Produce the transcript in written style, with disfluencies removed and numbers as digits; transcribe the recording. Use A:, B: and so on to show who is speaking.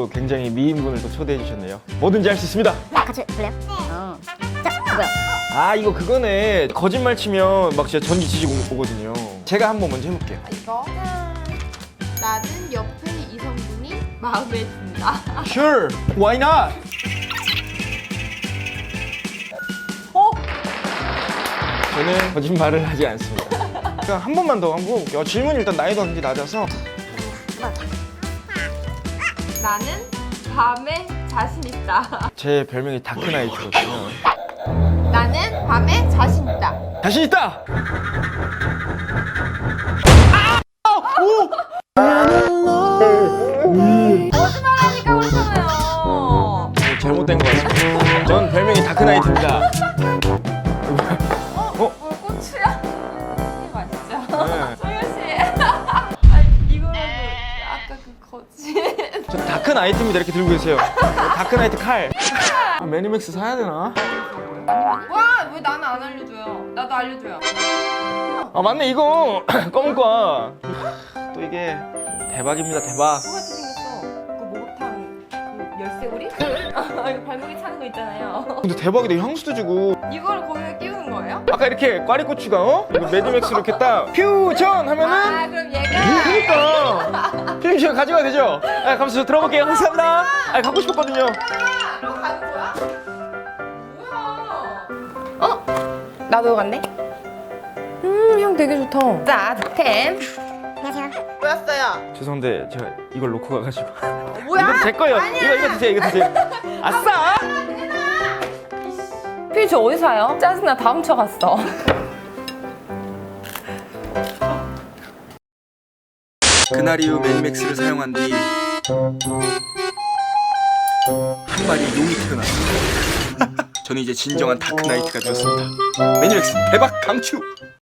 A: 또 굉장히 미인분을 또 초대해 주셨네요. 뭐든지 할 수 있습니다.
B: 같이 볼래요? 자, 뭐야?
A: 아 이거 그거네. 거짓말 치면 막 진짜 전기 지지고 오거든요. 제가 한번 먼저 해볼게요.
C: 이거 나는 옆에 이성분이 마음에 든다.
A: Sure, why not? 저는 거짓말을 하지 않습니다. 그냥 한 번만 더 한번 볼게요. 질문이 일단 난이도가 굉장히 낮아서.
C: 나는 밤에 자신 있다.
A: 제 별명이 다크나이트거든요.
C: 나는 밤에 자신 있다.
A: 자신 있다!
C: 거짓말하니까 그러잖아요.
A: 잘못된 것 같습니다. 전 별명이 다크나이트입니다.
C: 고추야? 이게 맛있죠?
A: 네.
C: 소연 씨. 아, 이거라도 아까 그 거짓.
A: 저 다크나이트입니다. 이렇게 들고 계세요. 다크나이트 칼. 아, 매니맥스 사야 되나?
C: 와, 왜 나는 안 알려줘요? 나도 알려줘요.
A: 아 맞네 이거 검은 거. 또 이게 대박입니다 대박.
C: 똑같이 생겼어. 그 목욕탕 그 열쇠고리? 이거 발목에 차는 거 있잖아요.
A: 근데 대박이다. 향수도 주고.
C: 이걸 거기에 끼우는 거예요?
A: 아까 이렇게 꽈리고추가 이거 매니맥스로 이렇게 딱 퓨전 하면은
C: 아, 그럼 얘가
A: 그러니까 필름 가져가야 되죠? 아 감사합니다. 저 들어볼게요. 감사합니다. 아 갖고 싶었거든요.
C: 로 가는 거야? 뭐야? 나도 갔네? 향 되게 좋다. 자, 득템.
B: 안녕하세요.
C: 뭐였어요?
A: 죄송한데 제가 이걸 놓고 가가지고.
C: 뭐야?
A: 이거 제 거예요. 이거 드세요. 이거 드세요. 아싸!
C: 필주 어디 사요? 짜증나, 다 훔쳐갔어.
A: 그날 이후 매니맥스를 사용한 뒤 한 마리 용이 태어났습니다. 저는 이제 진정한 다크나이트가 되었습니다. 매니맥스 대박 강추!